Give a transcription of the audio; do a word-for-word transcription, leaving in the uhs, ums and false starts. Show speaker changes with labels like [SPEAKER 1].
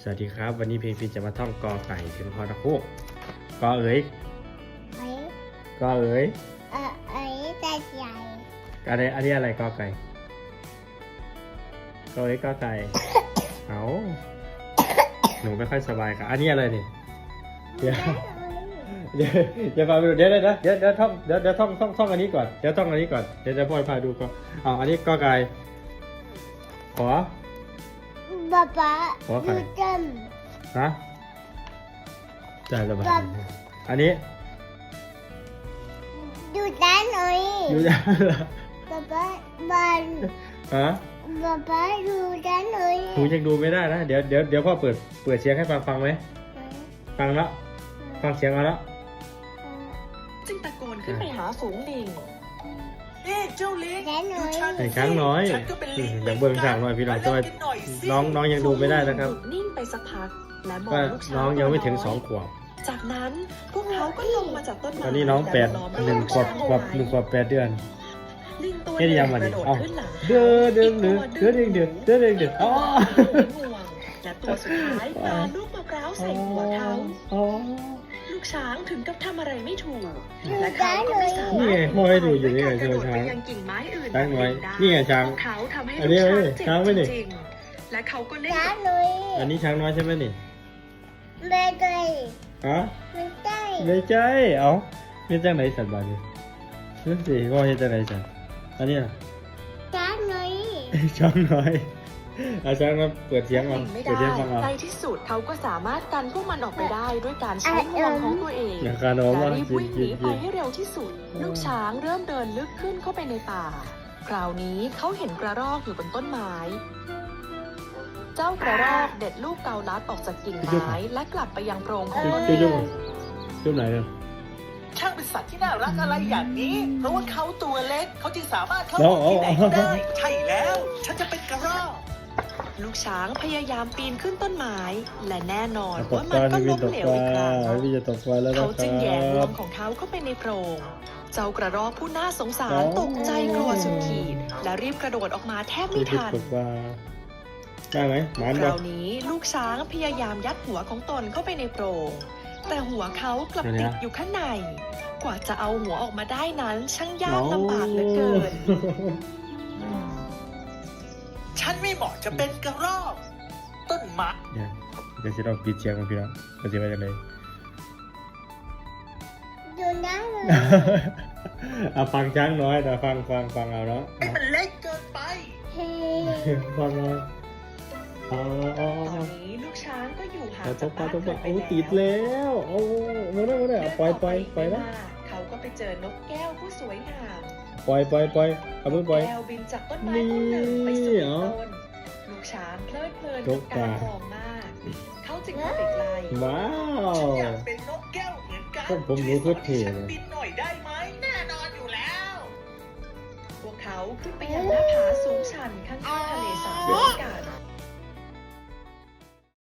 [SPEAKER 1] สวัสดีครับวันนี้เพลงพินจะมาท่องกอไก่ถึงฮอตะคุกกอเอ๋ย
[SPEAKER 2] เอ้ย
[SPEAKER 1] กอเอ๋ย
[SPEAKER 2] เออเอ้ยใจใหญ่
[SPEAKER 1] อะไรอันนี้อะไรกอไก่กอเอ๋ยกอไก่ เอาหนูไม่ค่อยสบายครับอันนี้อะไรนี่เดี๋ยวเดี๋ยวเดี๋ยวฟังดูเดี๋ยวเดี๋ยวเดี๋ยวเดี๋ยวท่องเดี๋ยวเดี๋ยวท่องท่องท่องอันนี้ก่อนเดี๋ยวท่องอันนี้ก่อนเดี๋ยวจะพ่อยพาดูก่อนเอาอันนี้กอไก่ขอ
[SPEAKER 2] ป๊าป๊า
[SPEAKER 1] หัวไข่
[SPEAKER 2] ดูจ
[SPEAKER 1] ฮะใจระบาย
[SPEAKER 2] ครับ
[SPEAKER 1] อันนี้
[SPEAKER 2] ำดูด้านหน่อย
[SPEAKER 1] อยู่ยัง
[SPEAKER 2] ป๊าป๊าบัน
[SPEAKER 1] ฮะ
[SPEAKER 2] ป๊าป๊าดูด้านหน่อย
[SPEAKER 1] หนูยังดูไม่ได้นะเดี๋ยวเดี๋ยวเดี๋ยวพ่อเปิดเปิดเสียงให้ฟังฟังไหมฟังแล้วฟังเสียงมาแล้ว
[SPEAKER 3] จึงตะโกนขึ้นไปหาฝูงลิงเอ๊ะเจ้าลิง
[SPEAKER 2] ด้านหน่อย
[SPEAKER 1] ไอ้ช้างน้อย
[SPEAKER 3] ฉันก็เป็นลิง
[SPEAKER 1] อย่างเบิ้งสร้างหน่อยพี่น้องจะ
[SPEAKER 3] มา
[SPEAKER 1] ว่า
[SPEAKER 3] เล่นกันหน่อยสิ
[SPEAKER 1] น้องน้องยังดูไม่ได้นะครับ
[SPEAKER 3] ฝูงลิงหยุดนิ่งไปสักพักและมอง
[SPEAKER 1] ว่า
[SPEAKER 3] ลูกช้าง
[SPEAKER 1] น้องยังไม่ถึงสองขวบ
[SPEAKER 3] จากนั้นพวกเขาก็ลงมาจากต้นไม้
[SPEAKER 1] ตอนนี้น้องแปด
[SPEAKER 3] และล้อม
[SPEAKER 1] หนึ่งขวบ
[SPEAKER 3] ลูก
[SPEAKER 1] ขวบ
[SPEAKER 3] ช้าง
[SPEAKER 1] หนึ่งขวบแปดเดือน
[SPEAKER 3] ลิงตัว
[SPEAKER 1] เฮ็ดยังมาดิ
[SPEAKER 3] กระโดด
[SPEAKER 1] เอ้า
[SPEAKER 3] ขึ้นหลัง
[SPEAKER 1] เด้อเด้อเด้อเด้อเด้อเด้อเด้อเด้อเด้ออ๋อ
[SPEAKER 3] ห่วงและตัวสุดท้ายปาลูกมะพร้าวใส่หัวเขา
[SPEAKER 1] อ๋อ
[SPEAKER 3] ลูกช้างถึงกับทำอะไรไม่ถูก
[SPEAKER 2] ดู
[SPEAKER 3] และเขา
[SPEAKER 2] ด้าน
[SPEAKER 3] ก็
[SPEAKER 2] หน่อ
[SPEAKER 3] ไม่
[SPEAKER 2] ย
[SPEAKER 3] สา
[SPEAKER 1] นี่
[SPEAKER 3] มาร
[SPEAKER 1] ไง
[SPEAKER 3] ถ
[SPEAKER 1] พ่อให้ดูอยู่นี่ไง
[SPEAKER 3] กระโดด
[SPEAKER 1] ช้าง
[SPEAKER 3] ไปยังกิ่งไม้อื่น
[SPEAKER 1] ช้างน้อย
[SPEAKER 3] ได้
[SPEAKER 1] นี่ไงช้าง
[SPEAKER 3] พวกเขาทำให้
[SPEAKER 1] อัน
[SPEAKER 3] ลู
[SPEAKER 1] นี้
[SPEAKER 3] กช้างเจ็บ
[SPEAKER 1] ช้างไม่ดิ
[SPEAKER 3] จริงๆและเขาก็เล่น
[SPEAKER 2] ด้า
[SPEAKER 3] กับ
[SPEAKER 2] นหน่อย
[SPEAKER 1] อันนี้ช้างน้อยใช่ไหมนี่
[SPEAKER 2] ไม่ได้
[SPEAKER 1] ฮะ
[SPEAKER 2] ไม่ได้
[SPEAKER 1] ไม่ใช่เอ้าเฮ็ดจังไหนสัตว์บาดนี้นั่นสิพ่อเฮ็ดจังไหนสัตว์อันนี้ล่ะ
[SPEAKER 2] ด้านหน่อย
[SPEAKER 1] ช้างน้อยอาช้างมาเปิดเสียงเอา
[SPEAKER 3] ไม่
[SPEAKER 1] เปิด
[SPEAKER 3] ได้
[SPEAKER 1] เสียงฟังเอา
[SPEAKER 3] ในที่สุดเขาก็สามารถกันพวกมันออกไปได้ด้วยการใช้งวงของตัวเอง
[SPEAKER 1] อย่างการโน้ม
[SPEAKER 3] และ
[SPEAKER 1] ว่า
[SPEAKER 3] รีบ
[SPEAKER 1] กิน
[SPEAKER 3] วิ่งห
[SPEAKER 1] กิ
[SPEAKER 3] นี
[SPEAKER 1] น
[SPEAKER 3] ไป
[SPEAKER 1] กิน
[SPEAKER 3] ให้เร็วที่สุด ลูกช้างเริ่มเดินลึกขึ้นเข้าไปในป่า คราวนี้เขาเห็นกระรอกอยู่บนต้นไม้ เจ้ากระรอกเด็ดลูกเกาลัดออกจากกิ่งไม้และกลับไปยังโพรงของตน
[SPEAKER 1] จุ๊
[SPEAKER 3] เอบ
[SPEAKER 1] จุ๊บ
[SPEAKER 3] ง
[SPEAKER 1] จุ๊บไหนกัน
[SPEAKER 4] ช่างเป็นสัตว์ที่น่ารักอะไรอย่างนี้ เพราะว่าเขาตัวเล็ก เขาจึงสามารถเข้า
[SPEAKER 1] อ๋
[SPEAKER 4] อ
[SPEAKER 1] อ
[SPEAKER 4] อก
[SPEAKER 1] อ๋อ
[SPEAKER 4] ที่ไหนก็ได้
[SPEAKER 1] อ๋อ
[SPEAKER 4] ใช่แล้ว ฉันจะเป็นกระรอก
[SPEAKER 3] ลูกช้างพยายามปีนขึ้นต้นไม้ และแน่นอน
[SPEAKER 1] ตก
[SPEAKER 3] ว่า
[SPEAKER 1] ป
[SPEAKER 3] มัน
[SPEAKER 1] ลา
[SPEAKER 3] ก็
[SPEAKER 1] พี่วิ
[SPEAKER 3] ล้
[SPEAKER 1] น
[SPEAKER 3] ม
[SPEAKER 1] ตก
[SPEAKER 3] เหล
[SPEAKER 1] ป
[SPEAKER 3] ว
[SPEAKER 1] ลา
[SPEAKER 3] อีกครั้ง
[SPEAKER 1] พี่วินจะตกปลาแล้วนะ
[SPEAKER 3] เขา
[SPEAKER 1] ค
[SPEAKER 3] จึงแหย่งว
[SPEAKER 1] รับ
[SPEAKER 3] งของเขาเข้าไปในโพรง เจ้ากระรอกผู้น่าสงสาร
[SPEAKER 1] อ๋อ
[SPEAKER 3] ตกใจกลัวสุดขีด และรีบกระโดดออกมาแทบ
[SPEAKER 1] พี่
[SPEAKER 3] ไม่
[SPEAKER 1] วิน
[SPEAKER 3] ทัน
[SPEAKER 1] ตกปลาได้ไหมหมาน
[SPEAKER 3] ค
[SPEAKER 1] บ่
[SPEAKER 3] ราวนี้ลูกช้างพยายามยัดหัวของตนเข้าไปในโพรง แต่หัวเขากลับติดอยู่ข้างใน กว่าจะเอาหัวออกมาได้นั้นช่างยากลำบากเหลือเกิน
[SPEAKER 4] ฉันไม่เหมาะจะเป็นกระรอก ต้นมะ
[SPEAKER 1] เดี๋ยวเดี๋ยวจะลองปิดเสียงกันพี่น้องเราจะไปกันเลย
[SPEAKER 2] ดูด้านหน่อย
[SPEAKER 1] เอาฟังช้างน้อยแต่ฟังฟังฟังเอาเนาะ
[SPEAKER 4] ไอ้มันเล็กเกินไป
[SPEAKER 2] เฮ้
[SPEAKER 1] ฟังเอาอ๋ออ๋อ
[SPEAKER 3] ตอนนี้ลูกช้างก็อยู่ห่าง
[SPEAKER 1] ต
[SPEAKER 3] จาก
[SPEAKER 1] กปลา
[SPEAKER 3] บ้าน
[SPEAKER 1] ตกป
[SPEAKER 3] เกิ
[SPEAKER 1] ลา
[SPEAKER 3] ดไป
[SPEAKER 1] โอ้
[SPEAKER 3] แล้ว
[SPEAKER 1] ติดแล้วโอ้ไม่ได้ไม่ได้ปล่อยปล่อยปล่อย
[SPEAKER 3] แล้
[SPEAKER 1] แล้ว ว
[SPEAKER 3] เขาก็ไปเจอนกแก้วผู้สวยงาม
[SPEAKER 1] ปล่อยปล่อยปล่อยเอามือปล่อย
[SPEAKER 3] แก้วบินจากต้นไม้ต้นหนึ่งไปสู่
[SPEAKER 1] นี่
[SPEAKER 3] อีก
[SPEAKER 1] เหรอ
[SPEAKER 3] ต้น ลูกช้างเพลิดเพลิน
[SPEAKER 1] น
[SPEAKER 3] กับ
[SPEAKER 1] ก
[SPEAKER 3] การ
[SPEAKER 1] ป่าม
[SPEAKER 3] องมาก เขาจึงเข้าไปใกล้
[SPEAKER 1] ว้าว
[SPEAKER 4] ฉันอยากเป็นนกแก้วเหมือนกัน
[SPEAKER 1] ผมผมรู้โคตรเท่
[SPEAKER 4] ฉัน
[SPEAKER 1] เลย
[SPEAKER 4] บินหน่อยได้ไหม แน่นอนอยู่แล้ว
[SPEAKER 3] พวกเขาขึ้นไปยังหน้าผาสูงชันข้างๆทะเลสาบด้วยกัน